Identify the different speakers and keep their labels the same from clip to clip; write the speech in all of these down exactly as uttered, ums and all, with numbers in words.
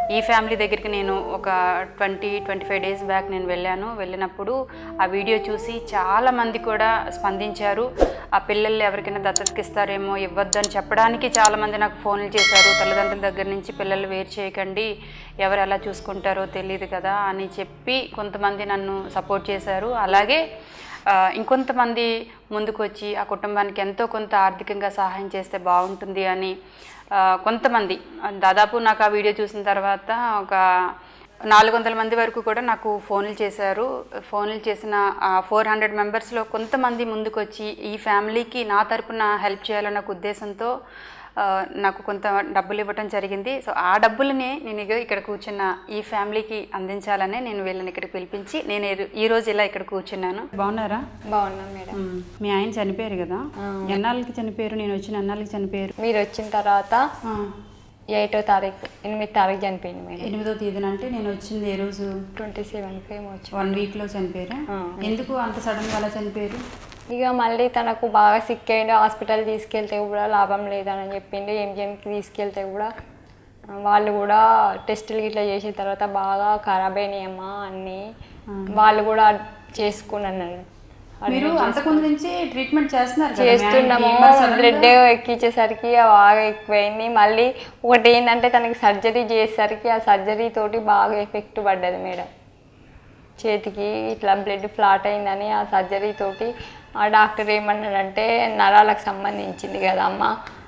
Speaker 1: ఈ ఫ్యామిలీ దగ్గరికి నేను ఒక twenty twenty five days back నేను వెళ్ళాను. వెళ్ళినప్పుడు ఆ వీడియో చూసి చాలామంది కూడా స్పందించారు. ఆ పిల్లలు ఎవరికైనా దత్తతకి ఇస్తారేమో, ఇవ్వద్దని చెప్పడానికి చాలామంది నాకు ఫోన్లు చేశారు. తల్లిదండ్రుల దగ్గర నుంచి పిల్లలు వేరు చేయకండి, ఎవరు ఎలా చూసుకుంటారో తెలియదు కదా అని చెప్పి కొంతమంది నన్ను సపోర్ట్ చేశారు. అలాగే ఇంకొంతమంది ముందుకు వచ్చి ఆ కుటుంబానికి ఎంతో కొంత ఆర్థికంగా సహాయం చేస్తే బాగుంటుంది అని కొంతమంది, దాదాపు నాకు ఆ వీడియో చూసిన తర్వాత ఒక నాలుగు వందల మంది వరకు కూడా నాకు ఫోన్లు చేశారు. ఫోన్లు చేసిన ఫోర్ హండ్రెడ్ మెంబర్స్లో కొంతమంది ముందుకు వచ్చి ఈ ఫ్యామిలీకి నా తరపున హెల్ప్ చేయాలన్న ఉద్దేశంతో నాకు కొంత డబ్బులు ఇవ్వటం జరిగింది. సో ఆ డబ్బులనే నేను ఇక్కడ కూర్చున్న ఈ ఫ్యామిలీకి అందించాలనే నేను వీళ్ళని ఇక్కడికి పిలిపించి నేను ఈరోజు ఇలా ఇక్కడ కూర్చున్నాను. బాగున్నారా?
Speaker 2: బాగున్నాను మేడం.
Speaker 1: మీ ఆయన చనిపోయారు కదా, ఎన్నాళ్ళకి చనిపోయారు? నేను వచ్చిన ఎన్నాళ్ళకి చనిపోయారు?
Speaker 2: మీరు వచ్చిన తర్వాత ఎయిటో తారీఖు ఎనిమిది తారీఖు చనిపోయింది మేడం.
Speaker 1: ఎనిమిదో తేదీన అంటే నేను వచ్చింది ఏ రోజు?
Speaker 2: ట్వంటీ సెవెన్కి ఏమో వచ్చి
Speaker 1: వన్ వీక్లో చనిపోయారా? ఎందుకు అంత సడన్గా అలా చనిపోయారు?
Speaker 2: ఇక మళ్ళీ తనకు బాగా సిక్ అయ్యింది. హాస్పిటల్ తీసుకెళ్తే కూడా లాభం లేదని చెప్పింది. ఎంజిఎంకి తీసుకెళ్తే కూడా వాళ్ళు కూడా టెస్టులు ఇట్లా చేసిన తర్వాత బాగా ఖరాబ్ అయినాయమ్మా అన్నీ, వాళ్ళు కూడా చేసుకున్నాను.
Speaker 1: మీరు అంతకుముందు నుంచి ట్రీట్మెంట్ చేస్తున్నారు?
Speaker 2: చేస్తున్నాము. బ్లడ్ ఎక్కించేసరికి బాగా ఎక్కువైంది. మళ్ళీ ఒకటి ఏంటంటే తనకి సర్జరీ చేసేసరికి ఆ సర్జరీ తోటి బాగా ఎఫెక్ట్ పడ్డది మేడం. చేతికి ఇట్లా బ్లడ్ ఫ్లాట్ అయిందని ఆ సర్జరీ తోటి ఆ డాక్టర్ ఏమన్నాడంటే నరాలకు సంబంధించింది కదా అమ్మ,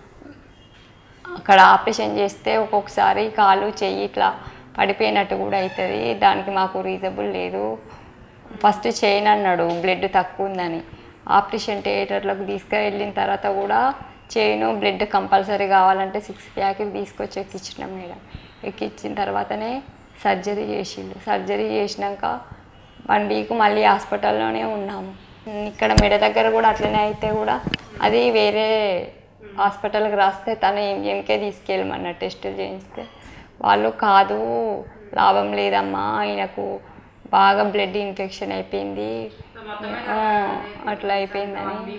Speaker 2: అక్కడ ఆపరేషన్ చేస్తే ఒక్కొక్కసారి కాలు చెయ్యి ఇట్లా పడిపోయినట్టు కూడా అవుతుంది, దానికి మాకు రీజనబుల్ లేదు, ఫస్ట్ చేయను అన్నాడు బ్లడ్ తక్కువ ఉందని. ఆపరేషన్ థియేటర్లోకి తీసుకువెళ్ళిన తర్వాత కూడా చేయను, బ్లడ్ కంపల్సరీ కావాలంటే సిక్స్ ప్యాకెట్ తీసుకొచ్చి ఎక్కించినాం మేడం. ఎక్కించిన తర్వాతనే సర్జరీ చేసిండు. సర్జరీ చేసినాక వన్ వీక్ మళ్ళీ హాస్పిటల్లోనే ఉన్నాము. ఇక్కడ మెడ దగ్గర కూడా అట్లనే అయితే కూడా అది వేరే హాస్పిటల్కి రాస్తే తను ఎంజిఎంకే తీసుకెళ్ళమన్న టెస్టులు చేయిస్తే వాళ్ళు కాదు లాభం లేదమ్మా, ఆయనకు బాగా బ్లడ్ ఇన్ఫెక్షన్ అయిపోయింది, అట్లా అయిపోయిందని.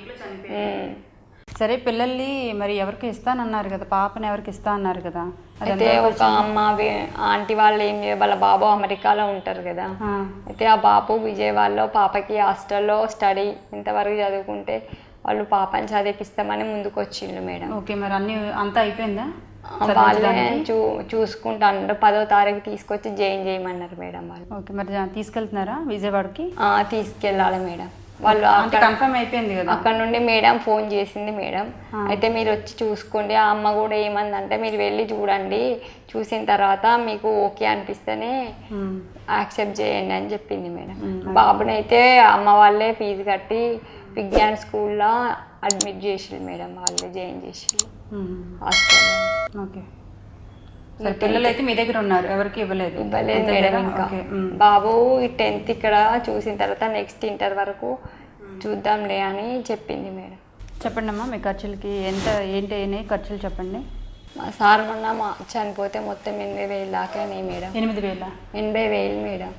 Speaker 1: సరే, పిల్లల్ని మరి ఎవరికి ఇస్తానన్నారు కదా, పాపని ఎవరికి ఇస్తా అన్నారు కదా?
Speaker 2: అయితే ఒక అమ్మ ఆంటీ వాళ్ళు ఏం చేయ, వాళ్ళ బాబు అమెరికాలో ఉంటారు కదా, అయితే ఆ బాబు విజయవాడలో పాపకి హాస్టల్లో స్టడీ ఇంతవరకు చదువుకుంటే వాళ్ళు పాపని చదివిపిస్తామని ముందుకు వచ్చిండు మేడం.
Speaker 1: ఓకే, మరి అన్ని అంతా అయిపోయిందా?
Speaker 2: వాళ్ళే చూ చూసుకుంటాను. పదో తారీఖు తీసుకొచ్చి జాయిన్ చేయమన్నారు మేడం వాళ్ళు.
Speaker 1: ఓకే, మరి తీసుకెళ్తున్నారా విజయవాడకి?
Speaker 2: తీసుకెళ్ళాలి మేడం. వాళ్ళు
Speaker 1: కన్ఫర్మ్ అయిపోయింది కదా.
Speaker 2: అక్కడ నుండి మేడం ఫోన్ చేసింది మేడం, అయితే మీరు వచ్చి చూసుకోండి. ఆ అమ్మ కూడా ఏమందంటే మీరు వెళ్ళి చూడండి, చూసిన తర్వాత మీకు ఓకే అనిపిస్తేనే యాక్సెప్ట్ చేయండి అని చెప్పింది మేడం. బాబుని అయితే అమ్మ వాళ్ళే ఫీజు కట్టి విజ్ఞాన్ స్కూల్లో అడ్మిట్ చేసిండు మేడం, వాళ్ళే జాయిన్ చేసిండు హాస్టల్లో.
Speaker 1: ఓకే, పిల్లలు అయితే మీ దగ్గర ఉన్నారు, ఎవరికి ఇవ్వలేదు?
Speaker 2: ఇవ్వలేదు మేడం. ఇంకా బాబు టెన్త్ ఇక్కడ చూసిన తర్వాత నెక్స్ట్ ఇంటర్ వరకు చూద్దాంలే అని చెప్పింది మేడం.
Speaker 1: చెప్పండి అమ్మా, మీ ఖర్చులకి ఎంత ఏంటి అయినాయి ఖర్చులు చెప్పండి.
Speaker 2: మా సార్ మొన్న మా చనిపోతే మొత్తం ఎనభై వేలు దాకా మేడం.
Speaker 1: ఎనిమిది వేల
Speaker 2: ఎనభై వేలు మేడం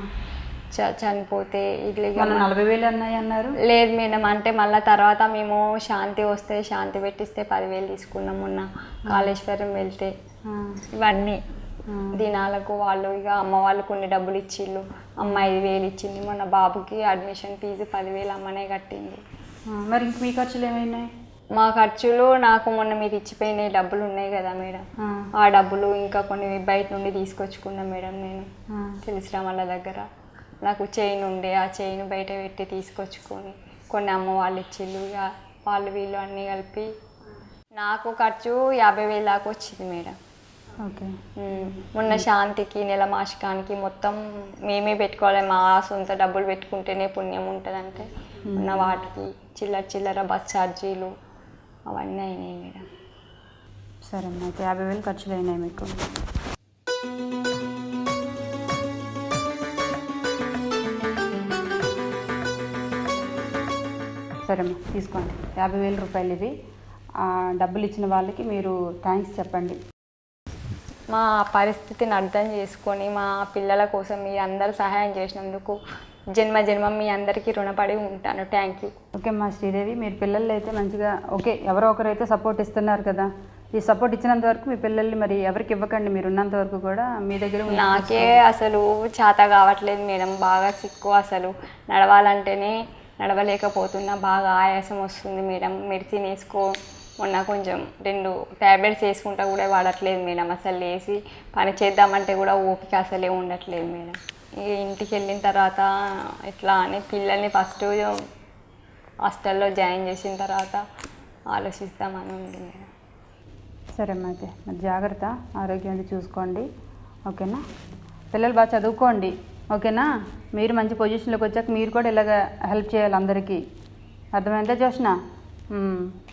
Speaker 2: చనిపోతే. ఇట్లా
Speaker 1: నలభై వేలు అన్నాయి అన్నారు.
Speaker 2: లేదు మేడం, అంటే మళ్ళీ తర్వాత మేము శాంతి వస్తే శాంతి పెట్టిస్తే పదివేలు తీసుకున్నాం మొన్న కాళేశ్వరం వెళ్తే. ఇవన్నీ దినాలకు వాళ్ళు ఇక అమ్మ వాళ్ళు కొన్ని డబ్బులు ఇచ్చిళ్ళు, అమ్మ ఐదు వేలు ఇచ్చింది. మొన్న బాబుకి అడ్మిషన్ ఫీజు పదివేలు అమ్మనే కట్టింది.
Speaker 1: మరి ఇంక మీ ఖర్చులు ఏమైనాయి?
Speaker 2: మా ఖర్చులు నాకు మొన్న మీరు ఇచ్చిపోయిన డబ్బులు ఉన్నాయి కదా మేడం, ఆ డబ్బులు ఇంకా కొన్ని బయట నుండి తీసుకొచ్చుకున్నా మేడం. నేను తెలిసిన వాళ్ళ దగ్గర నాకు చైన్ ఉండే, ఆ చైన్ బయట పెట్టి తీసుకొచ్చుకొని కొన్ని అమ్మ వాళ్ళు ఇచ్చిళ్ళు, ఇక వాళ్ళు వీళ్ళు అన్నీ కలిపి నాకు ఖర్చు యాభై వేలు దాకా వచ్చింది మేడం.
Speaker 1: ఓకే,
Speaker 2: మొన్న శాంతికి నెల మాసికానికి మొత్తం మేమే పెట్టుకోవాలి, మా సొంత డబ్బులు పెట్టుకుంటేనే పుణ్యం ఉంటుందంటే ఉన్న వాటికి చిల్లర చిల్లర బస్ ఛార్జీలు అవన్నీ అయినాయి మేడం.
Speaker 1: సరే అమ్మా, అయితే యాభై వేలు ఖర్చులు అయినాయి మీకు. సరే అమ్మా, తీసుకోండి యాభై వేల రూపాయలు. ఇవి డబ్బులు ఇచ్చిన వాళ్ళకి మీరు థ్యాంక్స్ చెప్పండి.
Speaker 2: మా పరిస్థితిని అర్థం చేసుకొని మా పిల్లల కోసం మీరు అందరూ సహాయం చేసినందుకు జన్మ జన్మ మీ అందరికీ రుణపడి ఉంటాను. Thank you.
Speaker 1: ఓకే అమ్మా శ్రీదేవి, మీరు పిల్లలు అయితే మంచిగా ఓకే, ఎవరో ఒకరైతే సపోర్ట్ ఇస్తున్నారు కదా, ఈ సపోర్ట్ ఇచ్చినంత వరకు మీ పిల్లల్ని మరి ఎవరికి ఇవ్వకండి, మీరు ఉన్నంత వరకు కూడా మీ దగ్గర ఉంచి
Speaker 2: నాకే అసలు చేత కావట్లేదు మేడం, బాగా సిక్కు, అసలు నడవాలంటేనే నడవలేకపోతున్నా, బాగా ఆయాసం వస్తుంది మేడం. మెడిసిన్ వేసుకో, మొన్న కొంచెం రెండు ట్యాబ్లెట్స్ వేసుకుంటా కూడా వాడట్లేదు మేడం. అసలు లేచి పని చేద్దామంటే కూడా ఓపిక అసలే ఉండట్లేదు మేడం. ఇక ఇంటికి వెళ్ళిన తర్వాత ఎట్లా అని పిల్లల్ని ఫస్ట్ హాస్టల్లో జాయిన్ చేసిన తర్వాత ఆలోచిస్తామని ఉంది మేడం.
Speaker 1: సరే అమ్మా, అయితే మరి జాగ్రత్త, ఆరోగ్యం అది చూసుకోండి, ఓకేనా? పిల్లలు బాగా చదువుకోండి, ఓకేనా? మీరు మంచి పొజిషన్లోకి వచ్చాక మీరు కూడా ఇలాగ హెల్ప్ చేయాలి అందరికీ, అర్థమైందా జోష్న?